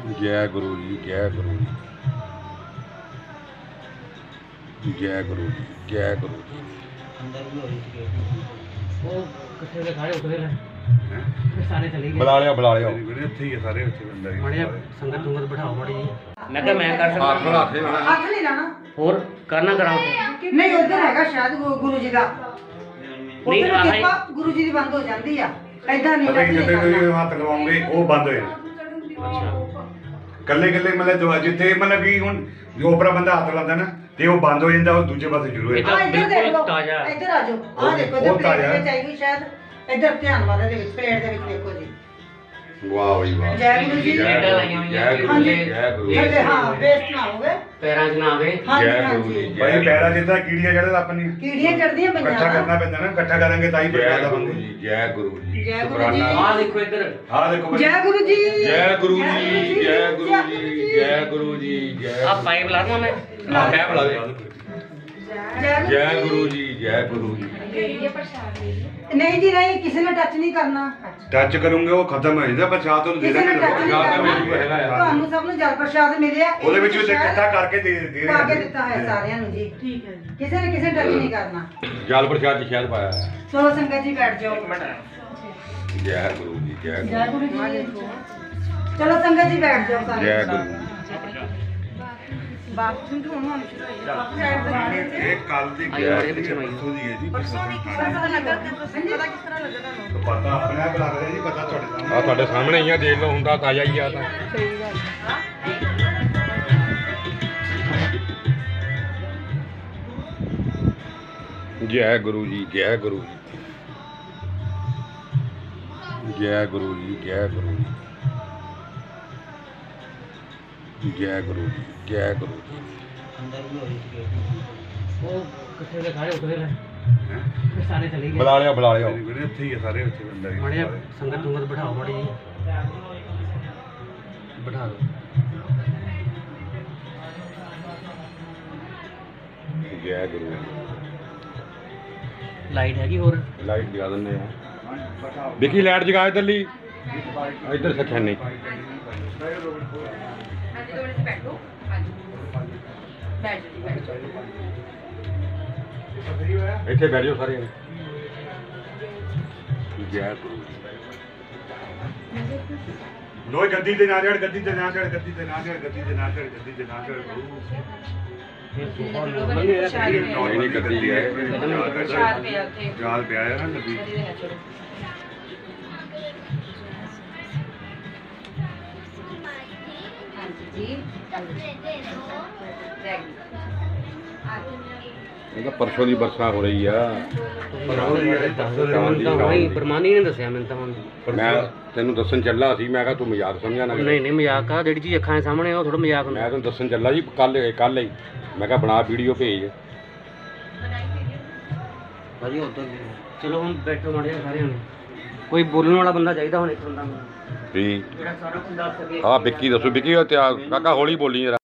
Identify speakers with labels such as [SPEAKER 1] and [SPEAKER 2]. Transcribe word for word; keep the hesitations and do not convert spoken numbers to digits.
[SPEAKER 1] जय गुरु जी, जय गुरु जी, जय गुरु जी, जय गुरु जी। बुला लिया बुला लिया
[SPEAKER 2] संगत दुंगत बिठाओ माड़ी जी। मैं क्या मैं कर सकता
[SPEAKER 1] हाथ
[SPEAKER 2] हूं?
[SPEAKER 1] हाथ नहीं
[SPEAKER 3] हथ नहीं लाना
[SPEAKER 2] और करना कराओ
[SPEAKER 3] नहीं उधर हैगा शायद गु- गुरु जी का
[SPEAKER 2] नहीं
[SPEAKER 3] उधर
[SPEAKER 2] आहा ही-
[SPEAKER 3] किरपा गुरु जी ਦੀ ਬੰਦ ਹੋ ਜਾਂਦੀ ਆ ਐਦਾਂ ਨਹੀਂ
[SPEAKER 4] ਪਤਾ ਕੀ
[SPEAKER 3] ਕਰਨੀ
[SPEAKER 4] ਜਿੱਥੇ ਤੁਸੀਂ
[SPEAKER 3] ਕਰਨਾ।
[SPEAKER 4] ਹੱਥ ਲਵਾਉਂਗੇ ਉਹ ਬੰਦ ਹੋਏ ਕੱਲੇ ਕੱਲੇ ਮਤਲਬ ਜੋ ਜਿੱਥੇ ਮਤਲਬ ਕਿ ਹੁਣ ਜੋ ਉਪਰਾ ਬੰਦਾ ਹੱਥ ਲਾਉਂਦਾ ਨਾ ਤੇ ਉਹ ਬੰਦ ਹੋ ਜਾਂਦਾ ਉਹ ਦੂਜੇ ਪਾਸੇ ਸ਼ੁਰੂ ਹੋ
[SPEAKER 2] ਇਹ
[SPEAKER 4] ਜਾਂਦਾ
[SPEAKER 2] ਤਾਂ
[SPEAKER 3] ਆ ਇੱਧਰ ਦੇਖ
[SPEAKER 2] ਬਿਲਕੁਲ
[SPEAKER 3] ਲਓ
[SPEAKER 2] ਤਾਜ਼ਾ।
[SPEAKER 3] ਇੱਧਰ ਆ ਜਾਓ ਆ ਦੇਖੋ
[SPEAKER 4] ਉਹ
[SPEAKER 3] ਇੱਧਰ ਪਲੇਟ
[SPEAKER 4] ਤਾਜ਼ਾ।
[SPEAKER 3] ਦੇ ਵਿੱਚ ਆਈ ਹੋਈ ਸ਼ਾਇਦ ਇੱਧਰ ਧਿਆਨ ਵਾਲੇ ਦੇ ਵਿੱਚ ਪਲੇਟ ਦੇ ਵਿੱਚ ਦੇਖੋ ਜੀ
[SPEAKER 1] वाह भाई वाह।
[SPEAKER 3] ਜੈ ਗੁਰੂ ਜੀ
[SPEAKER 1] जय
[SPEAKER 2] प्लेटां
[SPEAKER 1] गुरु
[SPEAKER 2] लाइयां
[SPEAKER 1] जी,
[SPEAKER 2] होईयां
[SPEAKER 1] जय गुरु जी,
[SPEAKER 3] ਹਾਂਜੀ।
[SPEAKER 1] जय गुरु जी।
[SPEAKER 3] ਥੱਲੇ ਹਾਂ ਵੇਸਟ ਨਾ ਹੋਵੇ
[SPEAKER 2] पैरां 'ਚ ना आवे
[SPEAKER 3] ਹਾਂਜੀ
[SPEAKER 1] जय गुरु जी,
[SPEAKER 3] ਹਾਂਜੀ
[SPEAKER 1] जय
[SPEAKER 4] ਭਾਈ ਪੈਰਾ ਜਿੱਦਾਂ ਕੀੜੀਆਂ ਚੜ੍ਹਦੇ ਆਪਣੀ
[SPEAKER 3] ਕੀੜੀਆਂ ਚੜਦੀਆਂ
[SPEAKER 4] ਇਕੱਠਾ
[SPEAKER 3] ਪਈਆਂ
[SPEAKER 4] ਕਰਨਾ ਪੈਂਦਾ ਨਾ ਇਕੱਠਾ ਕਰਾਂਗੇ ਤਾਂ ਹੀ
[SPEAKER 1] जय
[SPEAKER 4] ਪ੍ਰਸ਼ਾਦ
[SPEAKER 1] गुरु
[SPEAKER 4] ਬਣਦੇ
[SPEAKER 1] जी, जय गुरु जी।
[SPEAKER 3] जय गुरु
[SPEAKER 1] शुकराना।
[SPEAKER 3] जी।
[SPEAKER 2] आ देखो इधर
[SPEAKER 4] ਹਾਂ ਦੇਖੋ ਭਾਈ
[SPEAKER 3] ਜੈ ਗੁਰੂ ਜੀ
[SPEAKER 1] जय गुरु जी, जय गुरु जी, जय गुरु जी, जय
[SPEAKER 2] आप पाइप ला दूं मैं
[SPEAKER 1] हाँ, मैं बुला दे।
[SPEAKER 3] ਜੈ
[SPEAKER 1] जय गुरु जी, जय गुरु जी।
[SPEAKER 3] ਨਹੀਂ ਜੀ ਨਹੀਂ ਕਿਸੇ ਨੇ ਟੱਚ ਨਹੀਂ ਕਰਨਾ
[SPEAKER 4] ਟੱਚ ਕਰੂੰਗੇ ਉਹ ਖਤਮ ਹੋ ਜਾਂਦਾ ਪ੍ਰਸ਼ਾਦ ਤੁਹਾਨੂੰ ਦੇ
[SPEAKER 3] ਕਿਸੇ ਨੇ
[SPEAKER 4] ਦਾਂਗੇ
[SPEAKER 3] ਟੱਚ ਨਹੀਂ
[SPEAKER 1] ਪ੍ਰਸ਼ਾਦ ਤਾਂ
[SPEAKER 3] ਕਰਨਾ
[SPEAKER 1] ਮੈਨੂੰ ਹੈਗਾ ਯਾਰ।
[SPEAKER 3] ਤੁਹਾਨੂੰ ਸਭ ਨੂੰ ਜਲ ਪ੍ਰਸ਼ਾਦ ਮਿਲਿਆ
[SPEAKER 4] ਉਹਦੇ ਵਿੱਚ ਵੀ ਤੇ ਇਕੱਠਾ ਕਰਕੇ ਦੇ ਦੇ
[SPEAKER 3] ਪਾ ਕੇ
[SPEAKER 4] ਰਹੇ
[SPEAKER 3] ਦਿੱਤਾ ਹੈ ਸਾਰਿਆਂ ਨੂੰ ਜੀ ਠੀਕ ਹੈ ਜੀ ਕਿਸੇ ਨੇ ਕਿਸੇ ਟੱਚ ਨਹੀਂ ਕਰਨਾ
[SPEAKER 1] जल प्रसाद जी शायद पाया है।
[SPEAKER 3] ਚਲੋ ਸੰਗਤ ਜੀ ਬੈਠ ਜਾਓ
[SPEAKER 1] जय गुरु जी, जय
[SPEAKER 3] ਜੈ
[SPEAKER 1] गुरु
[SPEAKER 3] ਗੁਰੂ ਜੀ ਚਲੋ ਸੰਗਤ ਜੀ ਬੈਠ ਜਾਓ
[SPEAKER 1] जी,
[SPEAKER 3] ਸਾਰੇ
[SPEAKER 1] जय गुरु जी।
[SPEAKER 3] ਬਾਥਰੂਮ ਤੋਂ ਹੁਣ ਸ਼ੁਰੂ ਹੋਈ
[SPEAKER 4] ਇਹ ਕੱਲ ਦੀ
[SPEAKER 2] ਆਈ ਬੜੇ ਪਿੱਛੇ ਨੂੰ ਆਈ।
[SPEAKER 4] ਪਰਸੋਂ ਦੀ ਹੈ ਜੀ
[SPEAKER 3] ਪਤਾ ਕਿਸ ਤਰ੍ਹਾਂ ਲੱਗਾ ਪਤਾ ਕਿਸ ਤਰ੍ਹਾਂ ਲੱਗਾ ਤੁਹਾਨੂੰ
[SPEAKER 4] ਪਤਾ ਆਪਣੇ ਆਪ ਲੱਗ ਰਿਹਾ ਜੀ ਪਤਾ ਤੁਹਾਡੇ ਸਾਹਮਣੇ
[SPEAKER 1] ਆ ਤੁਹਾਡੇ ਸਾਹਮਣੇ ਹੀ ਆ, ਦੇਖ ਲਓ ਹੁੰਦਾ ਤਾਜ਼ਾ ਹੀ ਆ ਤਾਂ। जय गुरु जी, जय गुरु जी, जय गुरु जी, जय गुरु जी, जय गुरु जी, जय गुरु जी।
[SPEAKER 2] वो कितने के खड़े उतरे ले सारे चले गए
[SPEAKER 1] बुला लिया बुला लिया
[SPEAKER 4] ਵੀਰੇ ਇੱਥੇ ਹੀ ਆ ਸਾਰੇ ਉੱਥੇ ਬੰਦਾ ਹੀ
[SPEAKER 2] माड़ी संगत दुंगत बिठाओ माड़ी जी बिठा दो
[SPEAKER 1] जय गुरु जी।
[SPEAKER 2] लाइट हैगी और
[SPEAKER 1] लाइट जगा देने हैं विकी लाइट जगा इधरली इधर सच्चा नहीं ਇੱਥੇ ਬੈਠ ਜਾਓ ਸਾਰੇ ਜੈ ਗੁਰੂ ਜੀ।
[SPEAKER 4] ਲੋਈ ਗੱਦੀ ਤੇ ਨਾ ਚੜ ਗੱਦੀ ਤੇ ਨਾ ਚੜ ਗੱਦੀ ਤੇ ਨਾ ਚੜ ਗੱਦੀ ਤੇ ਨਾ ਚੜ ਗੱਦੀ ਤੇ ਨਾ ਚੜ
[SPEAKER 1] ਨਹੀਂ ਨਹੀਂ ਕਰਦੀ ਹੈ
[SPEAKER 4] ਜਾਲ ਪਿਆ ਹੈ ਨਾ ਗੱਦੀ
[SPEAKER 1] ਇਹਦਾ ਪਰਸੋਂ ਦੀ ਵਰਖਾ ਹੋ ਰਹੀ ਆ
[SPEAKER 2] ਨਹੀਂ ਪਰਮਾਨੀ ਨੇ ਦੱਸਿਆ ਮੈਨੂੰ ਤਾਂ ਹੁਣ
[SPEAKER 1] ਮੈਂ ਤੈਨੂੰ ਦੱਸਣ ਚੱਲਾ ਸੀ ਮੈਂ ਕਿਹਾ ਤੂੰ ਮਜ਼ਾਕ ਸਮਝਿਆ ਨਾ
[SPEAKER 2] ਨਹੀਂ ਨਹੀਂ ਮਜ਼ਾਕ ਆ ਜਿਹੜੀ ਚੀਜ਼ ਅੱਖਾਂ ਦੇ ਸਾਹਮਣੇ ਉਹ ਥੋੜਾ ਮਜ਼ਾਕ ਹੁੰਦਾ
[SPEAKER 1] ਮੈਂ ਤੈਨੂੰ ਦੱਸਣ ਚੱਲਾ ਜੀ ਕੱਲ ਕੱਲ ਹੀ ਮੈਂ ਕਿਹਾ ਬਣਾ ਵੀਡੀਓ ਭੇਜ
[SPEAKER 2] ਭਾਜੀ ਉਧਰ ਚਲੋ ਹੁਣ ਬੈਠੋ ਮਾੜੇ ਜਿਹੇ ਸਾਰਿਆਂ ਨੂੰ ਕੋਈ ਬੋਲਣ ਵਾਲਾ ਬੰਦਾ ਚਾਹੀਦਾ ਹੁਣ ਇੱਕ ਬੰਦਾ
[SPEAKER 1] ਠੀਕ
[SPEAKER 2] ਜਿਹੜਾ ਸਾਰਾ ਕੁਝ ਦੱਸ ਸਕੇ
[SPEAKER 1] ਆ ਵਿੱਕੀ ਦੱਸੋ ਵਿੱਕੀ ਤੇ ਕਾਕਾ ਹੌਲੀ ਬੋਲੀ ਜਰਾ